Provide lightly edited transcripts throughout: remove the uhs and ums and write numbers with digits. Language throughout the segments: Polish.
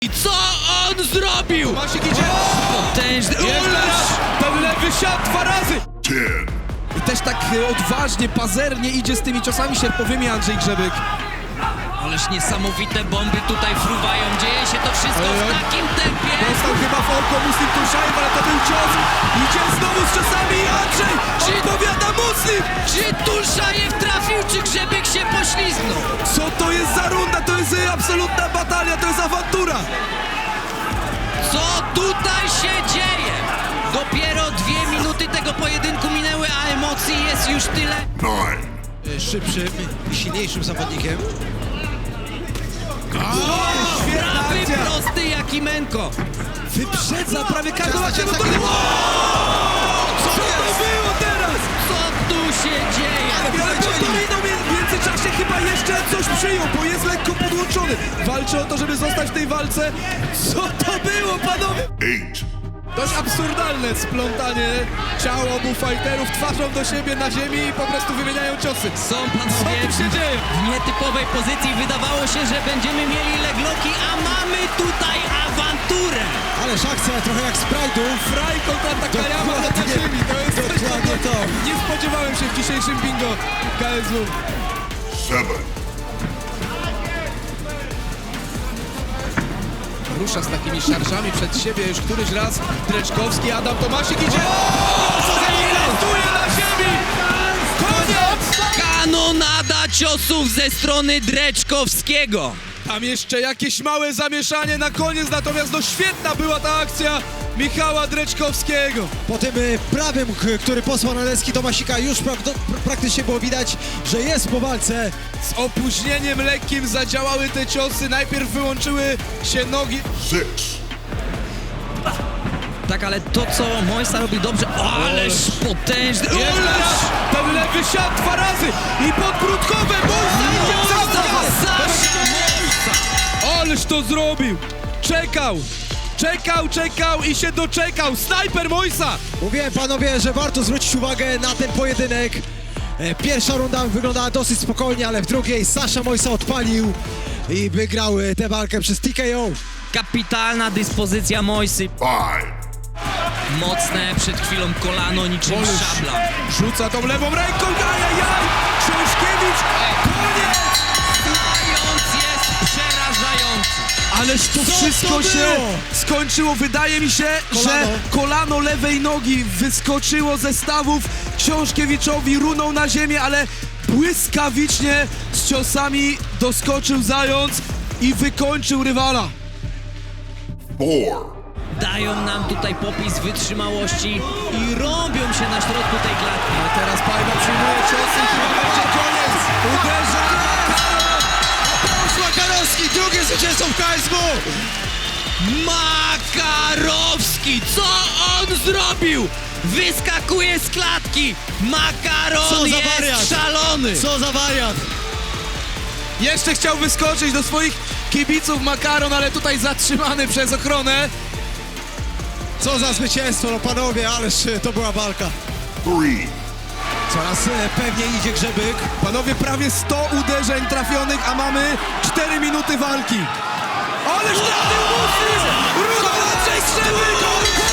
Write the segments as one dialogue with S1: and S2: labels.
S1: I co on zrobił?
S2: Masik idzie!
S1: Potężny...
S2: Ten lewy siat 2 razy!
S3: 10.
S2: I też tak odważnie, pazernie idzie z tymi ciosami sierpowymi Andrzej Grzebyk.
S1: Ależ niesamowite bomby tutaj fruwają. Dzieje się to wszystko w takim tempie.
S2: Dostał chyba w oko Muslim Turszajew, ale to był cios. Idzie znowu z ciosami i Andrzej odpowiada Muslim!
S1: Czy Turszajew trafił, czy Grzebyk się poślizgnął?
S2: Co to jest za runda? To jest absolutna batalia, to jest awantura!
S1: Co tutaj się dzieje? Dopiero 2 minuty tego pojedynku minęły, a emocji jest już tyle.
S3: 9.
S4: Szybszym i silniejszym zawodnikiem.
S2: Świetna
S1: Prawy
S2: akcja!
S1: prosty jak Imenko.
S2: Wyprzedza prawie każdą
S4: Ciasta,
S2: akcję. No
S4: ciasta,
S2: to...
S4: kiedy-
S2: Co to było teraz?
S1: Co tu się dzieje?
S2: Ale Torino w międzyczasie chyba jeszcze coś przyjął, bo jest lekko podłączony. Walczy o to, żeby zostać w tej walce. Co to było, panowie?
S3: 8.
S2: Dość absurdalne splątanie ciał obu fighterów twarzą do siebie na ziemi i po prostu wymieniają ciosy.
S1: Są panowie
S2: Co tu się dzieje?
S1: w nietypowej pozycji. Wydawało się, że będziemy mieli legloki, a mamy tutaj awanturę.
S4: Ależ akcja trochę jak z Pride'u.
S2: Fraj kontra Takayama na
S4: Dokładnie.
S2: ziemi. To jest coś,
S4: Dokładnie
S2: czego
S4: to.
S2: nie spodziewałem się w dzisiejszym bingo KSW.
S3: 7.
S2: Rusza z takimi szarżami przed siebie już któryś raz Dreczkowski, Adam Tomasik idzie! Ląduje na ziemi! Koniec!
S1: Kanonada ciosów ze strony Dreczkowskiego.
S2: Tam jeszcze jakieś małe zamieszanie na koniec, natomiast no świetna była ta akcja Michała Dreczkowskiego.
S4: Po tym prawym, który posłał na deski Tomasika, już praktycznie było widać, że jest po walce.
S2: Z opóźnieniem lekkim zadziałały te ciosy, najpierw wyłączyły się nogi.
S3: 6.
S1: Tak, ale to co Mojsa robi dobrze, ależ potężny...
S2: Ten lewy siat 2 razy i podbródkowe Mojsa idzie cały czas! Ależ to zrobił! Czekał i się doczekał! Snajper Mojsa!
S4: Mówiłem panowie, że warto zwrócić uwagę na ten pojedynek. Pierwsza runda wyglądała dosyć spokojnie, ale w drugiej Sasha Mojsa odpalił i wygrał tę walkę przez TKO.
S1: Kapitalna dyspozycja Mojsy.
S3: 5.
S1: Mocne przed chwilą kolano niczym
S2: Ależ
S1: szabla.
S2: Rzuca tą lewą ręką, ajajaj! Książkiewicz, koniec!
S1: Stając jest przerażający.
S2: Ależ to
S4: Co
S2: wszystko
S4: to
S2: się
S4: było?
S2: skończyło. Wydaje mi się, że
S4: Kolano.
S2: kolano lewej nogi wyskoczyło ze stawów. Książkiewiczowi runął na ziemię, ale błyskawicznie z ciosami doskoczył zając i wykończył rywala.
S3: 4.
S1: Dają nam tutaj popis wytrzymałości i robią się na środku tej klatki.
S2: A teraz Pajba przyjmuje ciosy i chyba będzie koniec. Uderza
S4: Makarowski, drugie zwycięstwo w KSW!
S1: Makarowski, co on zrobił? Wyskakuje z klatki.
S4: Co
S1: Makaron
S4: za wariat.
S1: jest szalony.
S4: Co za wariat!
S2: Jeszcze chciał wyskoczyć do swoich kibiców Makaron, ale tutaj zatrzymany przez ochronę.
S4: Co za zwycięstwo, no panowie, ależ to była walka.
S3: 3.
S4: Coraz pewniej idzie Grzebyk.
S2: Panowie, prawie 100 uderzeń trafionych, a mamy 4 minuty walki. Ależ trafił Muslim! Ruda Andrzej Grzebyk!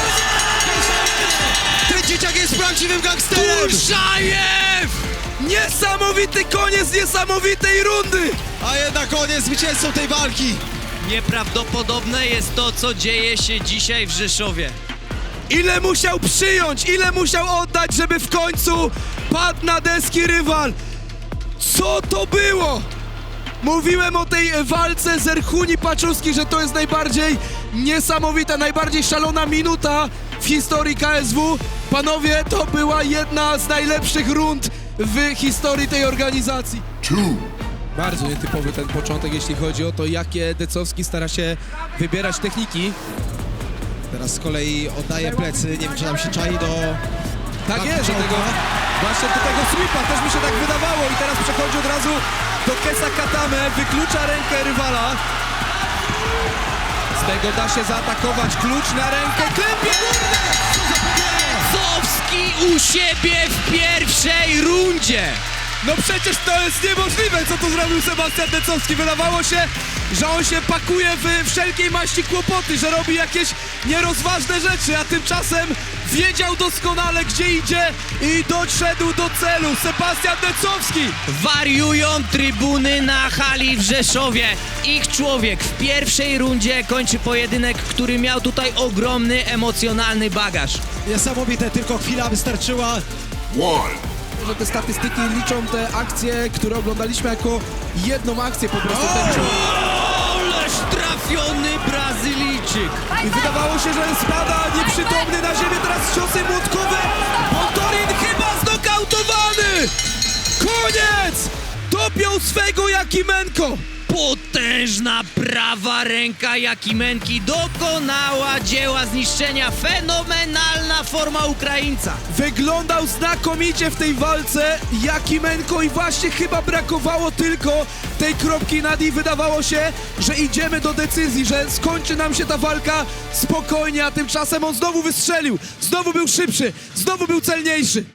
S4: Ten dzieciak jest prawdziwym gangsterem!
S1: Turszajew!
S2: Niesamowity koniec niesamowitej rundy!
S4: A jednak on jest zwycięzcą tej walki.
S1: Nieprawdopodobne jest to, co dzieje się dzisiaj w Rzeszowie.
S2: Ile musiał przyjąć, ile musiał oddać, żeby w końcu padł na deski rywal. Co to było? Mówiłem o tej walce Zerchuni Paczuski, że to jest najbardziej niesamowita, najbardziej szalona minuta w historii KSW. Panowie, to była jedna z najlepszych rund w historii tej organizacji.
S3: 2.
S2: Bardzo nietypowy ten początek, jeśli chodzi o to, jakie Decowski stara się wybierać techniki.
S4: Teraz z kolei oddaje plecy, nie wiem czy nam się czai do...
S2: Tak jest, do tego, właśnie do tego sweepa, też mi się tak wydawało i teraz przechodzi od razu do Kesa Katame, wyklucza rękę rywala. Z tego da się zaatakować, klucz na rękę, klepie górne!
S1: Decowski u siebie w pierwszej rundzie.
S2: No przecież to jest niemożliwe, co tu zrobił Sebastian Decowski. Wydawało się, że on się pakuje w wszelkiej maści kłopoty, że robi jakieś nierozważne rzeczy, a tymczasem wiedział doskonale, gdzie idzie i doszedł do celu. Sebastian Decowski.
S1: Wariują trybuny na hali w Rzeszowie. Ich człowiek w pierwszej rundzie kończy pojedynek, który miał tutaj ogromny emocjonalny bagaż.
S4: Niesamowite, tylko chwila wystarczyła.
S3: 1.
S2: Że te statystyki liczą te akcje, które oglądaliśmy jako jedną akcję po prostu. Ten cios.
S1: Ależ trafiony Brazylijczyk.
S2: I wydawało się, że spada nieprzytomny na ziemię, teraz ciosy młotkowe. Bontorin chyba znokautowany! Koniec! Dopiął swego Jakimenko.
S1: Potężna prawa ręka Jakimenki dokonała dzieła zniszczenia. Fenomenalna forma Ukraińca.
S2: Wyglądał znakomicie w tej walce Jakimenko i właśnie chyba brakowało tylko tej kropki nad i. Wydawało się, że idziemy do decyzji, że skończy nam się ta walka spokojnie, a tymczasem on znowu wystrzelił, znowu był szybszy, znowu był celniejszy.